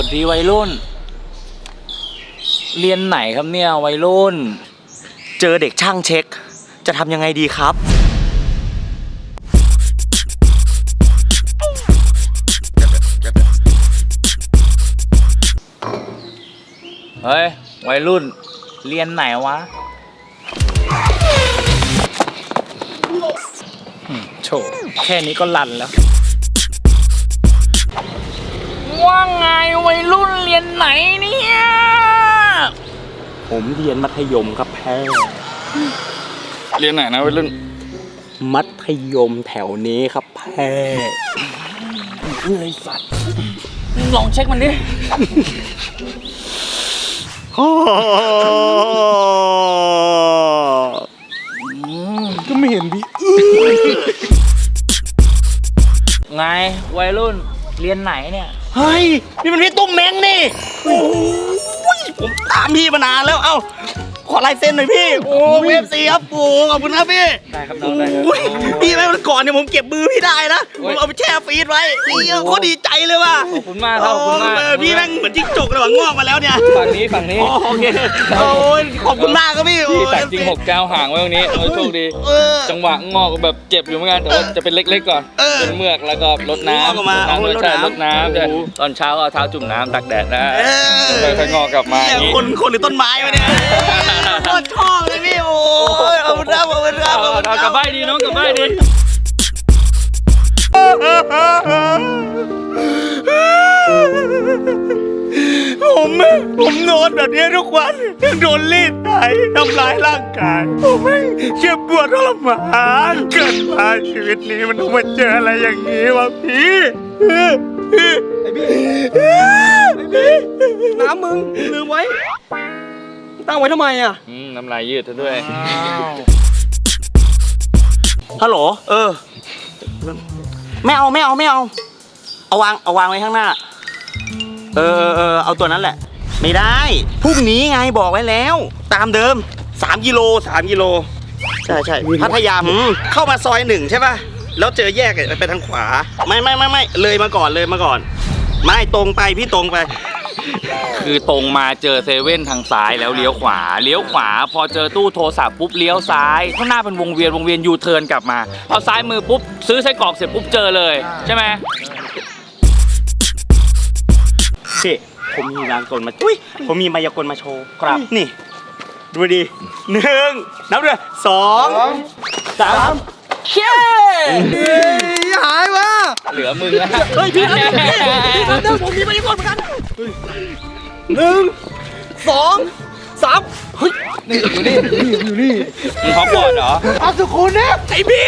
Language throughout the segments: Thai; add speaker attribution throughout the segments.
Speaker 1: สดีวัยรุ่นเรียนไหนครับเนี่ยวัยรุ่น
Speaker 2: เจอเด็กช่างเช็คจะทำยังไงดีครับ
Speaker 1: เฮ้ยวัยรุ่นเรียนไหนวะโฉแค่นี้ก็ลั่นแล้วว่าไงวัยรุ่นเรียนไหนเนี่ย
Speaker 2: ผมเรียนมัธยมครับแพ้
Speaker 1: เรียนไหนนะวัยรุ่น
Speaker 2: มัธยมแถวนี้ครับแพ้
Speaker 1: เฮ้ยสัตว์ลองเช็คมันดิ
Speaker 3: ก็ไม่เห็นดิ
Speaker 1: ไงวัยรุ่นเรียนไหนเนี่ย
Speaker 2: เฮ้ยนี่มันพี่ตุ้มเม้งนี่โอ้ยผมตามพี่มานานแล้วเอ้าขอลายเซ็นหน่อยพี่โอ้เอฟซีครับโอ้ขอบคุณครับพี่
Speaker 1: ได้ครับน้องได้ครับ
Speaker 2: พี่แม่วันก่อนเนี่ยผมเก็บมือพี่ได้นะผมเอาไปแช่ฟรีซไว้นี่โคตรดีใจเลยว่ะ
Speaker 1: ขอบคุณมากครับขอบคุณมาก
Speaker 2: พี่แม่งเหมือนจิ้งจกเลยว่ะงอกมาแล้วเนี่ย
Speaker 1: ฝั่งนี้
Speaker 2: โอเคโอ้ยขอบคุณมากครับพี่
Speaker 1: พี่แต่จริง6 9ห่างไว้ตรงนี้โชคดีจังหวะงอกแบบเจ็บอยู่เหมือนกันแต่ว่าจะเป็นเล็กๆก่อนเป็นเมือกแล้วก็รดน้ำรดน้ำตอนเช้าเอาเท้าจุ่มน้ำตักแดดนะค่อยๆงอกกลับมา
Speaker 2: คนหรือต้นไม้วะเนี่ยโคตรชอบเลยพี่โอ้ยเอาไปรับ
Speaker 1: กลับบ้านดีน้องกลับบ้านดี
Speaker 2: ผมนอนแบบนี้ทุกวันโดนรีดไถทำร้ายร่างกายผมไม่เจ็บปวดทรมานเกิดมาชีวิตนี้มันต้องมาเจออะไรอย่างนี้วะพี่
Speaker 3: ไอ้บี้น้ำมึงลืมไว้ตั้งไว้ทำไมอ่ะ
Speaker 1: น้ำลายยืดซะด้วย
Speaker 2: ฮัลโหลไม่เอาเอาวางไว้ข้างหน้าเอาตัวนั้นแหละไม่ได้พรุ่งนี้ไงบอกไว้แล้วตามเดิม3 กิโลใช่พัทยาเข้ามาซอย1ใช่ป่ะแล้วเจอแยกไปทางขวาไม่เลยมาก่อนไม่ตรงไปพี่ตรงไป
Speaker 1: คือตรงมาเจอเซเว่นทางซ้ายแล้วเลี้ยวขวาพอเจอตู้โทรศัพท์ปุ๊บเลี้ยวซ้ายข้างหน้าเป็นวงเวียนยูเทิร์นกลับมาพอซ้ายมือปุ๊บซื้อไส้กรอกเสร็จปุ๊บเจอเลยใช่ไหม
Speaker 2: พี่ผมมีมายากลมาโชว์ครับนี่ดูดี1นับด้วย2 3เย้
Speaker 3: หายวะ
Speaker 1: เหลือมึงแล้ว
Speaker 2: เฮ้ยพี่ผมมีมายากลเหมือนกัน1 2 3เฮ้ย
Speaker 3: นี่อยู่นี่
Speaker 1: มึงฮอกวอตส์เหรอ
Speaker 3: เอาสุขุนเนี่ย
Speaker 2: ไอ้พี่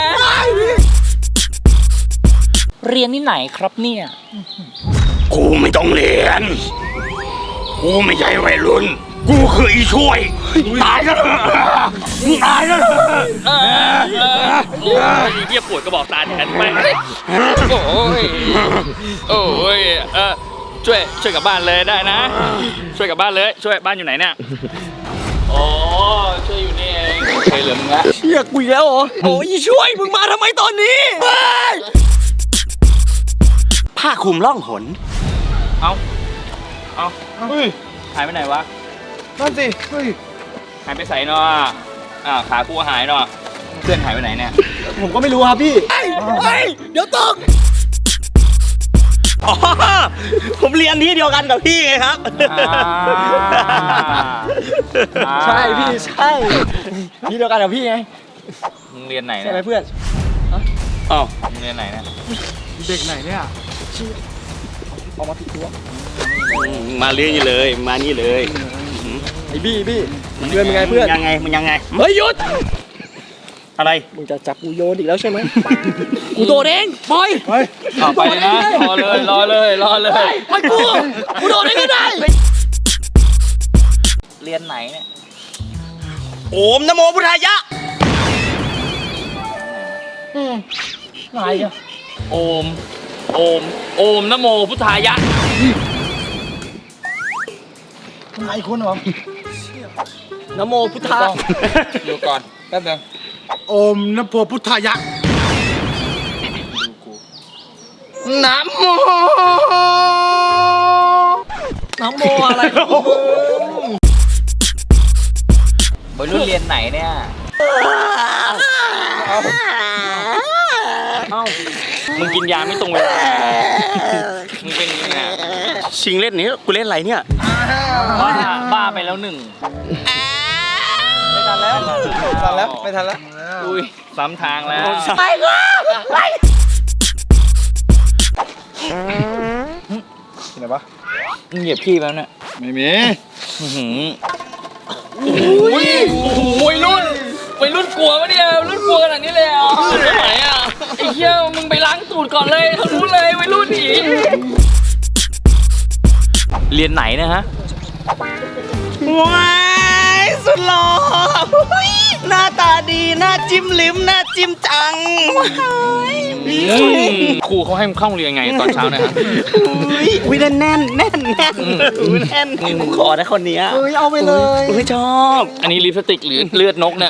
Speaker 1: เรียนที่ไหนครับเนี่ย
Speaker 2: กูไม่ต้องเรียนกูไม่ใช่วัยรุ่นกูคืออีช่วยตายแล้ว
Speaker 1: เหี้ยปวดกระบอกตาแทนไปโอ้ยช่วยกลับบ้านเลยได้นะช่วยกลับบ้านเลยช่วยบ้านอยู่ไหนเนี่ยอ๋อช่วยอยู่นี่เองเคยเหลือมึงละ
Speaker 2: เชี่ยกูอีกแล้วเหรอโอ้ยช่วยมึงมาทำไมตอนนี้ผ้าคลุมล่องหน
Speaker 1: เอาหายไปไหนวะ
Speaker 3: นั่นสิเฮ้ย
Speaker 1: หายไปใส่เนาะขากูหายเนาะเพื่อนหายไปไหนเนี่ย
Speaker 3: ผมก็ไม่รู้ครับพี่
Speaker 2: เดี๋ยวตกผมเรียนที่เดียวกันกับพี่ไงครับ
Speaker 3: ใช่พี่ใช่ที่เดียวกันกับพี่ไง
Speaker 1: มึงเรียนไหนเนี่ย
Speaker 3: ใช่ไหมเพื่อน
Speaker 1: มึงเรียนไหนเนี่ย
Speaker 3: เด็กไหนเนี่ยออกมาผิดตัว
Speaker 2: มาเรียนนี่เลยมานี่เลย
Speaker 3: ไอ้บี้เพื่อนเป็นไงเพื่อน
Speaker 2: ยังไง
Speaker 3: เฮ้ยหยุด
Speaker 2: อะไร
Speaker 3: มึงจะจับกูโยนอีกแล้วใช่ไหมกูโดนเองปล่อย
Speaker 1: ไปนะรอเลย
Speaker 3: ไปกูโดนเองก็ได้
Speaker 1: เรียนไหนเนี่ย
Speaker 2: โอมนะโมพุทธายะ
Speaker 3: ไหนอะ
Speaker 1: โอมนะโมพุทธายะ
Speaker 3: ไหนคนเหรอนะโมพุทธะ
Speaker 1: ดูก่อนแป๊บนึง
Speaker 3: โอมนะโมพุทธายะ
Speaker 1: นะโม
Speaker 3: โมอะไรของมึง
Speaker 1: วัยรุ่นเรียนไหนเนี่ย มึงกินยาไม่ตรงเวลา มึงเป็นยังไง
Speaker 2: ชิงเล่นนี้กูเล่นอะไรเนี่ย
Speaker 1: บ้าไปแล้วหนึ่ง
Speaker 3: ไม่ทันแล้วไม่ทันแล้วไม่ทันแล้ว
Speaker 1: อุ้ยซ้ำทางแล้ว
Speaker 2: ไปก็ไป
Speaker 3: ที่ไหนปะ
Speaker 1: มึงเหยียบพี่แล้วเนี่ย
Speaker 3: ไม่มี
Speaker 1: อื้อหือโอ้ยวัยรุ่นกลัวปะเนี่ยวัยรุ่นกลัวขนาดนี้เลยอ่ะไหนอ่ะไอ้เหี้ยมึงไปล้างตูดก่อนเลยเขารู้เลยวัยรุ่นหนีเรียนไหนนะฮะ
Speaker 2: ว้ายสุดหล่ออุ๊ยหน้าตาดีหน้าจิ้มลิ้มหน้าจิ้มจังว้าย
Speaker 1: ครูเขาให้มึงเข้าโรงเรียนไงตอนเช้าเนะฮะ
Speaker 2: อุ้ยแน่นแน่นแน่นแน่นอุ้ยแน่นผมขอนะคนเนี้ย
Speaker 3: เฮ้ยเอาไปเลย
Speaker 2: อุ้ยชอบ
Speaker 1: อันนี้ลิปสติกหรือเลือดนกเนี่ย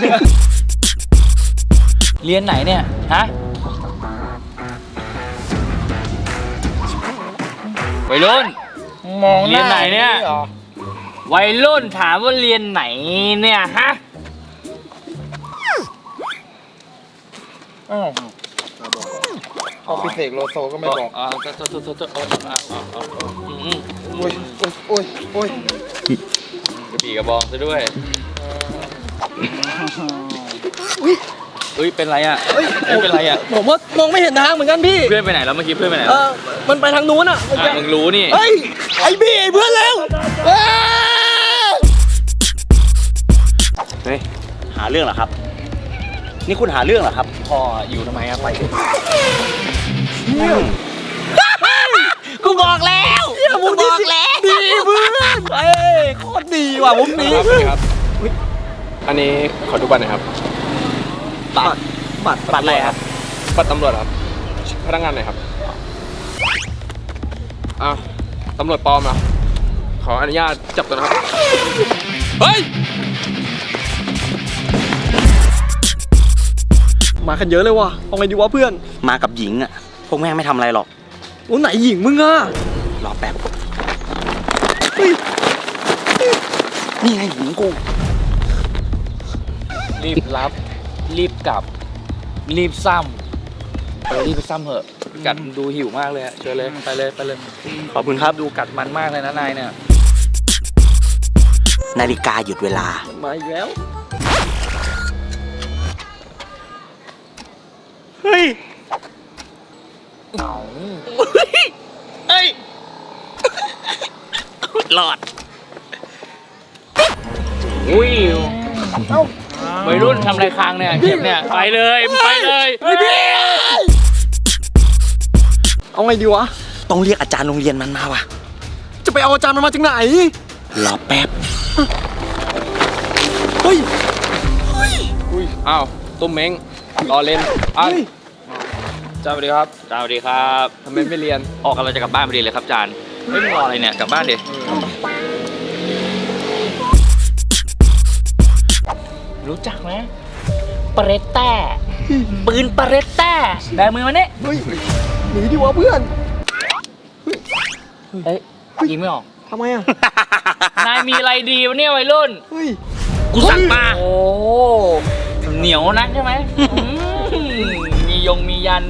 Speaker 1: เรียนไหนเนี่ย ฮะ วัยรุ่น
Speaker 3: มอง
Speaker 1: เรียนไหนเนี่ย วัยรุ่นถามว่าเรียนไหนเนี่ยฮะ
Speaker 3: อ้าวพอพิเศษโลโซก็ไม่บอก โอ้ยโอ้ยโอ้ย
Speaker 1: กระบี่กระบองซะด้วยอุ้ยเป็นไรอ่ะเป็นไรอ่ะ
Speaker 3: ผมว่ามองไม่เห็นทางเหมือนกันพี่
Speaker 1: เพื่อนไปไหนแล้วเมื่อกี้เพื่อนไปไหน
Speaker 3: มันไปทางนู้นอ่ะ
Speaker 1: มึงรู้นี่
Speaker 3: เฮ้ยไอ้พี่ไอ้เพื่อนแล้ว
Speaker 2: เฮ้ยหาเรื่องเหรอครับ นี่คุณหาเรื่องเหรอครับ
Speaker 1: พ่ออยู่ทำไมอะไป
Speaker 2: กูบอกแล้วกูบอกแล้ว
Speaker 3: ดีเพื่อนเอ้ยโคตรดีว่ะมุมนี้
Speaker 4: ครับอันนี้ขอดูบัตรหน่อยครับ
Speaker 3: บัตร
Speaker 2: บัตรอะไรครับ
Speaker 4: บัตรตำรวจครับ พนักงานหน่อยครับอ้าวตำรวจปลอมเหรอขออนุญาตจับตัวนะครับ เฮ้ย
Speaker 3: มากันเยอะเลยว่ะเอาไงดีวะเพื่อน
Speaker 2: มากับหญิงอ่ะพวกแม่งไม่ทำอะไรหรอก
Speaker 3: โอ้ไหนหญิงมึงอ่ะ
Speaker 2: รอแป๊บนี่ไงหญิงกู
Speaker 1: รีบรับ รีบกลับ รีบซ้ำรีบไปซ้ำเหอะกัดดูหิวมากเลยอะเชิญเลยไปเลยไปเลย
Speaker 2: ขอบคุณครับ
Speaker 1: ดูกัดมันมากเลยนะนายเนี่ย
Speaker 2: นาฬิกาหยุดเวลา
Speaker 3: มาอีกแล้ว
Speaker 2: เฮ้ย เฮ้ยหลอด
Speaker 1: อุ้ยวัยรุ่นทำอะไรค้างเนี่ยเก็บเนี่ยไปเลยไปเลย
Speaker 3: เอาไงดีวะ
Speaker 2: ต้องเรียกอาจารย์โรงเรียนมันมาว่ะ
Speaker 3: จะไปเอาอาจารย์มันมาจากไหน
Speaker 2: รอแป๊บ
Speaker 3: เฮ้ย
Speaker 4: อุ้ย อ้าว ตุ้มเม้งรอเล่นอ้าว
Speaker 3: เฮ้ย
Speaker 1: จ้าสวัสดีครับจ้าสวัสดีครับ
Speaker 4: ทำไมไม่เรียน
Speaker 1: ออกกันเราจะกลับบ้านพอดีเลยครับจานเฮ้ยมึงรออะไรเนี่ยกลับบ้านดิรู้จักไหมปาเรตต้าปืนปาเรตต้าได้มือมาเนี่ย
Speaker 3: เฮ้ยหนีดีวะเพื่อน
Speaker 1: เฮ้ยยิงไม่ออก
Speaker 3: ทำไมอ่ะ
Speaker 1: นายมีอะไรดีวะเนี่ยวัยรุ่น
Speaker 3: เฮ้ย
Speaker 2: กูสั่งมา
Speaker 1: โอ้เหนียวนักใช่ไหมมียงมียัน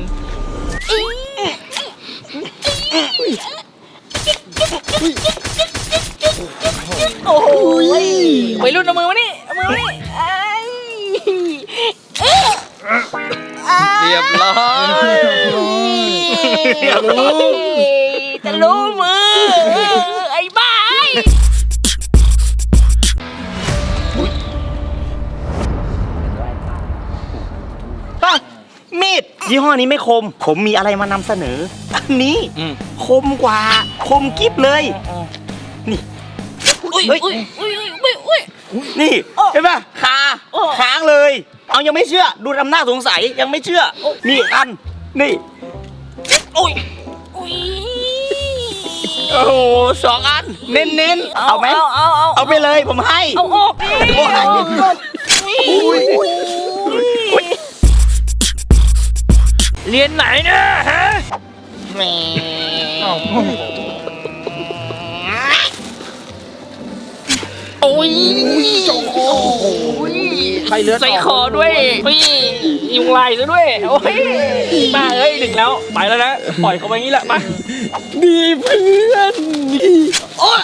Speaker 1: โอ้ยวัยรุ่นเอามือมานี่เอามือมานี่
Speaker 4: เรียบร้อย
Speaker 1: จะรู้มือไอ้บ้า
Speaker 2: มีดยี่ห้อนี้ไม่คม ผมมีอะไรมานำเสนอ อันนี้
Speaker 1: อืม
Speaker 2: คมกว่า คมกิ๊บเลย นี่
Speaker 1: อุ้ย
Speaker 2: เฮ้ย
Speaker 1: อุ้ยอุ้ยอุ้ยอุ้ย
Speaker 2: นี่ เห็นป่ะคาค้างเลย เอายังไม่เชื่อ ดูทำหน้าสงสัยยังไม่เชื่อ นี่อัน นี่ โอ้ย
Speaker 1: อุ้ย
Speaker 2: โอ้โหสองอัน เน้นๆ เอาไหม เอาไปเลยผมให้
Speaker 1: เอาออกดิ
Speaker 2: โอ้ย
Speaker 1: เรียนไหนเนี่ยฮะย
Speaker 3: ใครเลือด
Speaker 1: ใส่คอด้วยยุงลายซะด้วยโอ้ยมาเอ้ยถึงแล้วไปแล้วนะปล่อยเขาไปงี้แหละมาดีเพื่อนโอ้ย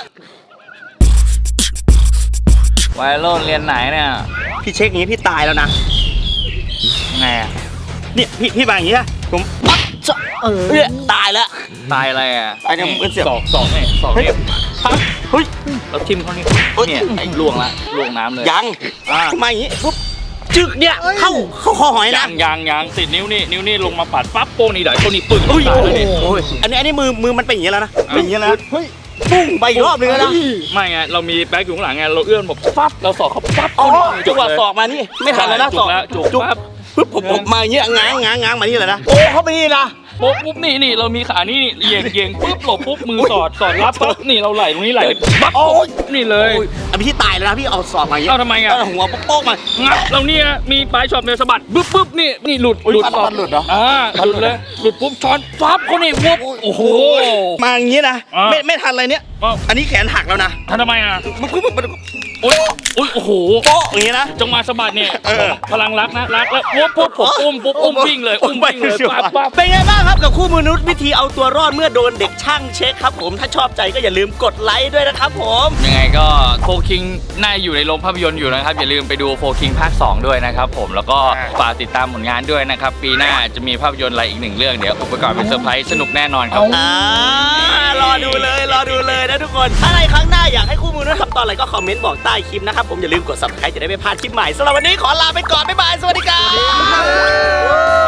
Speaker 1: วัยรุ่นเรียนไหนเนี่ย
Speaker 2: พี่เช็คอย่างนี้พี่ตายแล้วนะ
Speaker 1: ไงอะ
Speaker 2: เนี่ยพี่มาอย่างนี้นะผมปั๊บจะตายแล้ว
Speaker 1: ตายอะไรอ่ะ
Speaker 2: ตายเนี่ยมันเสียบ
Speaker 1: สองเนี่ยสองเนี่ยปั๊บ
Speaker 2: เฮ้ย
Speaker 1: เราทิมเขานี่เนี่ยไอ้ล่วงละล่วงน้ำเลย
Speaker 2: ยัง
Speaker 1: อ่ะ
Speaker 2: มาอย่างนี้ปุ๊บจึกเนี่ยเข้าคอหอยนะ
Speaker 1: ยังติดนิ้วนี่ลงมาปัดปั๊บโป้งนี่เดี๋ยวโป้งนี่ปึ้ง
Speaker 2: อุ้ย
Speaker 1: ตายแล้วนี่
Speaker 2: โอ้ยอันนี้มือมันเป็นอย่างนี้แล้วนะเป็นอย่างนี้แล้วนะเฮ้ยปุ้งไปอีกรอบนึงแล้วนะ
Speaker 1: ไม่ไงเรามีแบ็คอยู่ข้างหลังไงเราเอื้อนแบบปั๊บเราสอกเขาปั๊บ
Speaker 2: อ๋อจังหวะศอกมานี่ไม่ทันแล้วนะศอก
Speaker 1: จุกปั๊บ
Speaker 2: ปุ๊บผมมาอย่างนี้ง้างมานี่เลยนะโอ้เข้าไปนี่นะ
Speaker 1: ปุ๊บนี่เรามีขานี่เยียงปุ๊บหลบปุ๊บมือสอดรับปั๊บนี่เราไหลตรงนี้ไหลปั๊บนี่เลย
Speaker 2: อันพี่ตายแล้วนะพี่เอาศอกมาอย่างนี้
Speaker 1: เอาทำไมอ่ะ
Speaker 2: หัวโป๊กมา
Speaker 1: งับเราเนี่ยมีปลายช็อตเนี่ยสะบัดปุ๊บนี่หลุด
Speaker 3: ฟันหลุดเหรอ
Speaker 1: หลุดเลยหลุดปุ๊บช้อนปั๊บเขานี่วุบโอ้โห
Speaker 2: มาอย่างนี้นะ
Speaker 1: อ่า
Speaker 2: ไม่ทันอะไรเนี้ย
Speaker 1: อ้าว
Speaker 2: อันนี้แขนหักแล้วนะ
Speaker 1: ทำไมอ่ะ
Speaker 2: มันก็มัน
Speaker 1: โอ้ยโอ้โห
Speaker 2: โป๊ะอย่างนี้นะ
Speaker 1: จังหวะสะบัดเนี่ย
Speaker 2: เออ
Speaker 1: พลังรักนะรักแล้วปุ๊บผมอุ้มวิ่งเลยวิ่งเลยปั๊บ
Speaker 2: เป็นไงบ้างครับกับคู่มนุษย์วิธีเอาตัวรอดเมื่อโดนเด็กช่างเช็คครับผมถ้าชอบใจก็อย่าลืมกดไลค์ด้วยนะครับผม
Speaker 1: ยังไงก็โฟคิงน่าอยู่ในโรงภาพยนตร์อยู่นะครับอย่าลืมไปดูโฟคิงภาค 2 ด้วยนะครับผมแล้วก็ฝากติดตามผลงานด้วยนะครับปีหน้าจะมีภาพยนตร์อะไรอีกหนึ่งเรื่องเดี๋ยวอุปกรณ์เป็นเซอร์ไพรส์สนุกแน่นอนครับ
Speaker 2: รอดูเลยนะทุกคนถ้าในครั้งหน้าอยากให้คู่มนุษย์ทำตอนอะไรก็คอมเมนต์บอกใต้คลิปนะครับผมอย่าลืมกด subscribe จะได้ไม่พลาดคลิปใหม่สำหรับวันนี้ขอลาไปก่อนบ๊ายบายสวัสดีครับ